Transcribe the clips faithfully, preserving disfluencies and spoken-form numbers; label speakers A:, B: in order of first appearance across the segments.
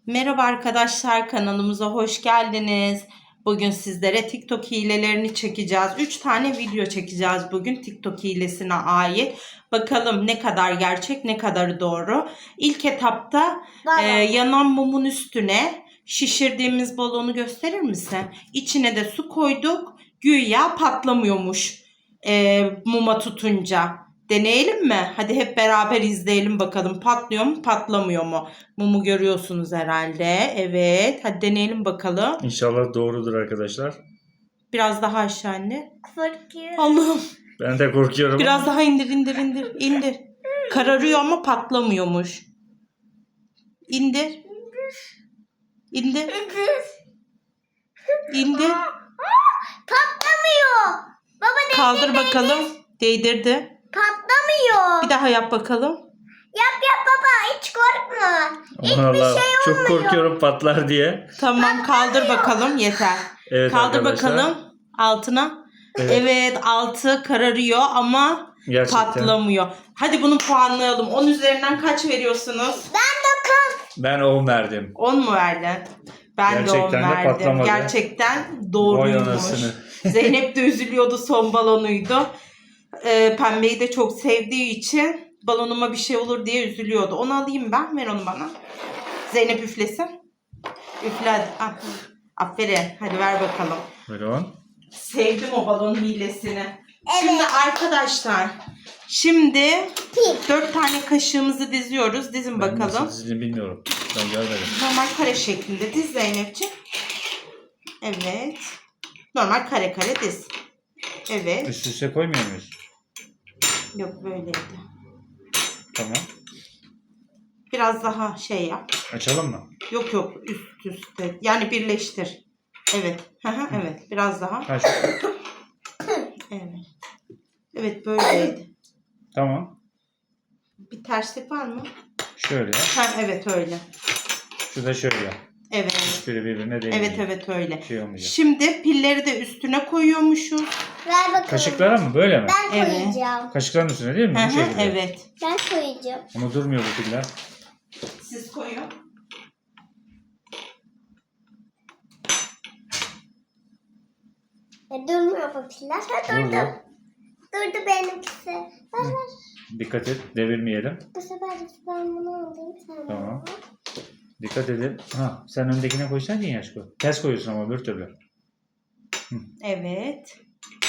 A: Merhaba arkadaşlar, kanalımıza hoş geldiniz. Bugün sizlere TikTok hilelerini çekeceğiz. üç tane video çekeceğiz bugün TikTok hilesine ait. Bakalım ne kadar gerçek, ne kadar doğru. İlk etapta e, yanan mumun üstüne şişirdiğimiz balonu gösterir misin? İçine de su koyduk. Güya patlamıyormuş e, muma tutunca. Deneyelim mi? Hadi hep beraber izleyelim bakalım. Patlıyor mu, patlamıyor mu? Mumu görüyorsunuz herhalde. Evet. Hadi deneyelim bakalım.
B: İnşallah doğrudur arkadaşlar.
A: Biraz daha aşağı anne.
C: Korkuyorum.
A: Allah'ım.
B: Ben de korkuyorum.
A: Biraz daha indir indir indir. indir. Kararıyor ama patlamıyormuş. İndir. İndir. İndir.
C: Patlamıyor. Baba de
A: Kaldır bakalım. Değdirdi.
C: patlamıyor.
A: Bir daha yap bakalım.
C: Yap yap baba, hiç korkma. Hiçbir
B: Allah,
C: şey
B: çok
C: olmuyor.
B: korkuyorum patlar diye.
A: Tamam, kaldır bakalım, yeter.
B: Evet
A: Kaldır
B: arkadaşlar.
A: bakalım altına.
B: Evet.
A: Evet, altı kararıyor ama
B: Gerçekten.
A: patlamıyor. Hadi bunu puanlayalım. on üzerinden kaç veriyorsunuz?
C: Ben dokuz.
B: Ben on verdim.
A: on mu verdin? Ben de on
B: Gerçekten de
A: verdim.
B: patlamadı.
A: Gerçekten
B: Vay
A: doğruymuş.
B: anasını.
A: Zeynep de üzülüyordu, son balonuydu. Ee, pembeyi de çok sevdiği için balonuma bir şey olur diye üzülüyordu. Onu alayım ben. Ver onu bana. Zeynep üflesin. Üfle hadi. Ah, aferin. Hadi ver bakalım.
B: Buyurun.
A: Sevdim o balon hilesini.
C: Evet.
A: Şimdi arkadaşlar, şimdi
C: Pil.
A: dört tane kaşığımızı diziyoruz. Dizin
B: Ben
A: bakalım.
B: nasıl dizdiğini bilmiyorum. Ben görmedim.
A: Normal kare şeklinde diz Zeynepciğim. Evet. Normal kare kare diz. Evet.
B: Üst üste koymuyor muyuz?
A: Yok, böyleydi.
B: Tamam.
A: Biraz daha şey yap.
B: Açalım mı?
A: Yok yok, üst üste. Yani birleştir. Evet. Hı hı, evet. Biraz daha.
B: Ha, şu.
A: Evet. Evet, böyleydi.
B: Tamam.
A: Bir terslik var mı?
B: Şöyle.
A: Ha, evet öyle.
B: Şu da şöyle.
A: Evet.
B: Hiçbiri birbirine değmiyor.
A: Evet evet öyle.
B: Şey olmayacak.
A: Şimdi pilleri de üstüne koyuyormuşuz.
C: Ver bakalım.
B: Kaşıklara mı? Böyle mi?
C: Ben
A: Evet.
C: koyacağım.
B: Kaşıkların üstüne değil mi?
A: Hı
B: Bu
A: hı,
B: şekilde.
A: evet.
C: Ben koyacağım.
B: Ama durmuyor bu piller.
A: Siz koyun.
C: E, durmuyor bu piller. Ha durdu.
B: Durdu.
C: Durdu benimkisi. Ver ver.
B: Dikkat et. Devirmeyelim.
C: Bu sefer de ben bunu alayım. Sen
B: Tamam.
C: bunu.
B: Dikkat edin. Ha, sen öndekine koysaydın ya aşkım. Ters koyuyorsun ama öbür türlü.
A: Evet.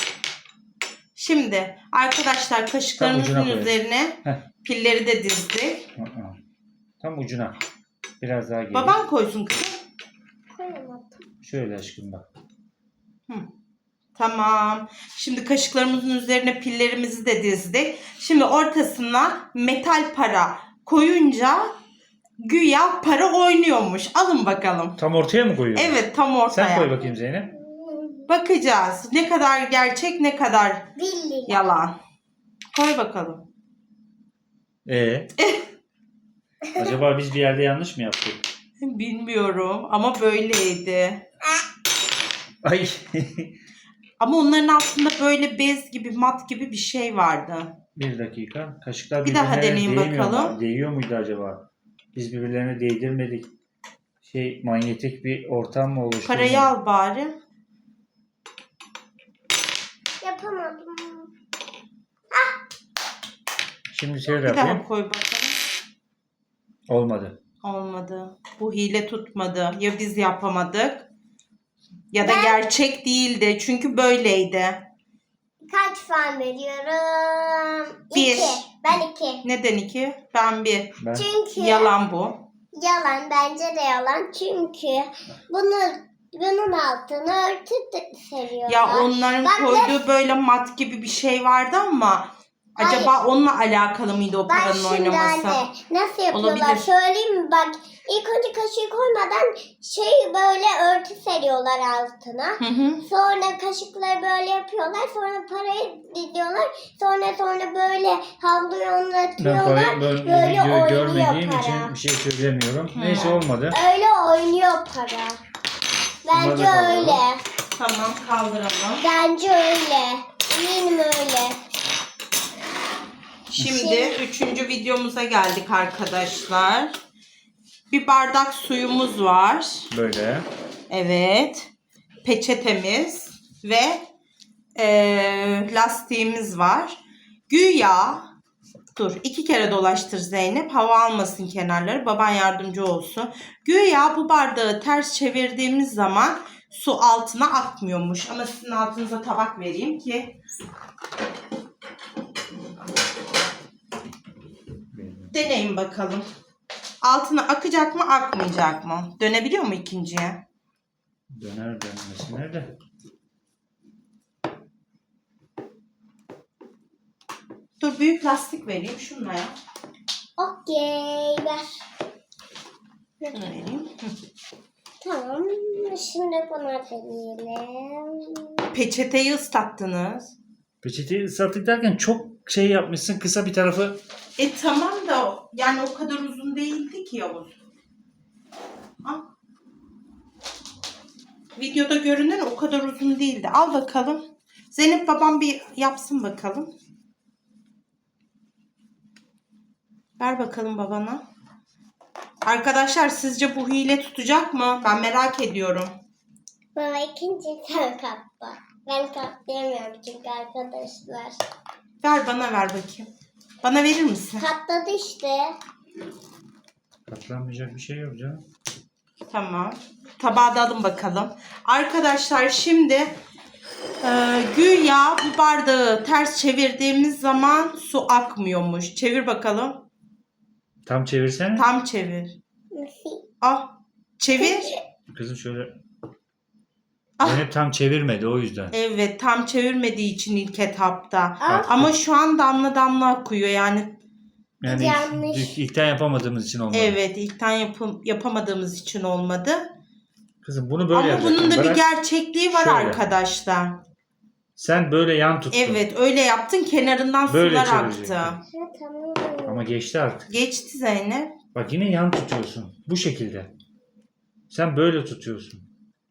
A: Şimdi arkadaşlar,
B: Tam
A: kaşıklarımızın
B: ucuna koyalım.
A: üzerine
B: Heh.
A: pilleri de dizdik.
B: Hı hı. Tam ucuna. Biraz daha geri.
A: Baban koysun kızım.
C: Koyamadım.
B: Şöyle aşkım bak.
A: Hı. Tamam. Şimdi kaşıklarımızın üzerine pillerimizi de dizdik. Şimdi ortasına metal para koyunca güya para oynuyormuş. Alın bakalım.
B: Tam ortaya mı koyuyorsun?
A: Evet, tam ortaya.
B: Sen koy bakayım Zeynep.
A: Bakacağız. Ne kadar gerçek, ne kadar
C: Billi.
A: yalan. Koy bakalım.
B: Ee? Acaba biz bir yerde yanlış mı yaptık?
A: Bilmiyorum ama böyleydi.
B: Ay.
A: Ama onların altında böyle bez gibi, mat gibi bir şey vardı.
B: Bir dakika. Kaşıklar
A: Bir daha
B: birbirlerine
A: deneyin
B: değmiyor mu?
A: bakalım.
B: Değiyor muydu acaba? Biz birbirlerine değdirmedik. Şey, manyetik bir ortam mı oluştu?
A: Parayı al bari.
C: Yapamadım.
B: Şimdi şöyle
A: Bir
B: yapayım.
A: daha koy bakalım.
B: Olmadı.
A: Olmadı. Bu hile tutmadı. Ya biz yapamadık ya da
C: Ben-
A: gerçek değildi. Çünkü böyleydi.
C: Kaç puan veriyorum?
A: Bir.
C: İki. Ben iki.
A: Neden iki? Ben bir.
B: Ben
C: Çünkü
A: Yalan bu.
C: yalan, bence de yalan. Çünkü bunu bunun altına örtü de seriyorlar.
A: Ya onların
C: Bak,
A: koyduğu böyle mat gibi bir şey vardı ama acaba
C: Hayır.
A: onunla alakalı mıydı o
C: Bak
A: paranın
C: şimdi
A: oynaması?
C: anne nasıl yapıyorlar
A: Olabilir.
C: söyleyeyim mi? Bak ilk önce kaşığı koymadan şey böyle örtü seriyorlar altına.
A: Hı hı.
C: Sonra kaşıkları böyle yapıyorlar. Sonra parayı diziyorlar. Sonra sonra böyle havluyu onu
B: ben
C: atıyorlar.
B: parayı böyle,
C: Böyle
B: videoyu
C: oynuyor
B: görmediğim
C: para.
B: için bir şey söylemiyorum.
A: Hı.
B: Neyse olmadı.
C: Öyle oynuyor para. Bence
B: Bunları da
C: öyle.
A: Tamam, kaldıralım.
C: Bence öyle. Eminim öyle.
A: Şimdi üçüncü videomuza geldik arkadaşlar. Bir bardak suyumuz var.
B: Böyle.
A: Evet. Peçetemiz ve eee, lastiğimiz var. Güya dur iki kere dolaştır Zeynep. Hava almasın kenarları. Baban yardımcı olsun. Güya bu bardağı ters çevirdiğimiz zaman su altına akmıyormuş. Ama sizin altınıza tabak vereyim ki deneyin bakalım. Altına akacak mı akmayacak mı? Dönebiliyor mu ikinciye?
B: Döner dönmesi nerede?
A: Dur büyük lastik vereyim şununla ya.
C: Okey ver.
A: Şunu vereyim. Hı.
C: Tamam. Şimdi bunu verelim.
A: Peçeteyi ıslattınız.
B: Peçeteyi ıslattık derken çok şey yapmışsın. Kısa bir tarafı.
A: E tamam da yani o kadar uzun değildi ki Yavuz. Al. Videoda görünen o kadar uzun değildi. Al bakalım. Zeynep babam bir yapsın bakalım. Ver bakalım babana. Arkadaşlar sizce bu hile tutacak mı? Ben merak ediyorum.
C: Baba ikinci sen katla. Ben katlayamıyorum çünkü arkadaşlar.
A: Ver bana ver bakayım. Bana verir misin?
C: Katladı işte.
B: Katlanmayacak bir şey yok canım.
A: Tamam. Tabağı da alın bakalım. Arkadaşlar şimdi e, güya bu bardağı ters çevirdiğimiz zaman su akmıyormuş. Çevir bakalım.
B: Tam çevirsene.
A: Tam çevir. Ah. Çevir.
B: Kızım şöyle.
A: Ah.
B: Zeynep tam çevirmedi o yüzden.
A: Evet tam çevirmediği için ilk etapta.
C: Ah.
A: Ama şu an damla damla akıyor yani.
B: Yani
C: Yanlış.
B: ilk, ilkten yapamadığımız için olmadı.
A: Evet ilkten yapım, yapamadığımız için olmadı.
B: Kızım bunu böyle
A: Ama
B: yapacaksın.
A: bunun da bir
B: Bırak.
A: gerçekliği var
B: Şöyle.
A: arkadaşlar.
B: Sen böyle yan tuttun.
A: Evet öyle yaptın kenarından
B: Böyle
A: sular
B: çevirecektin.
A: aktı.
C: Ha, tamam.
B: Ama geçti artık.
A: Geçti Zeynep.
B: Bak yine yan tutuyorsun. Bu şekilde. Sen böyle tutuyorsun.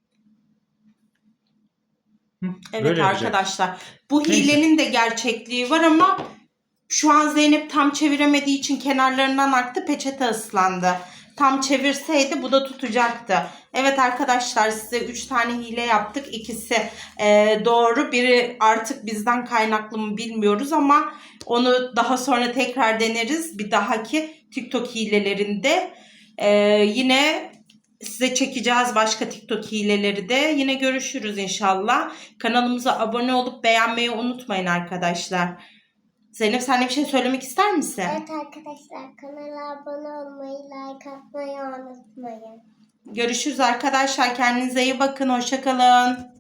B: Hı,
A: Evet
B: böyle yapacaksın.
A: arkadaşlar. Bu
B: Neyse.
A: hilenin de gerçekliği var ama şu an Zeynep tam çeviremediği için kenarlarından aktı. Peçete ıslandı. Tam çevirseydi bu da tutacaktı. Evet arkadaşlar size üç tane hile yaptık. İkisi e, doğru. Biri artık bizden kaynaklı mı bilmiyoruz ama onu daha sonra tekrar deneriz. Bir dahaki TikTok hilelerinde e, yine size çekeceğiz başka TikTok hileleri de. Yine görüşürüz inşallah. Kanalımıza abone olup beğenmeyi unutmayın arkadaşlar. Zeynep sen de bir şey söylemek ister misin?
C: Evet arkadaşlar kanala abone olmayı, like atmayı unutmayın.
A: Görüşürüz arkadaşlar. Kendinize iyi bakın. Hoşça kalın.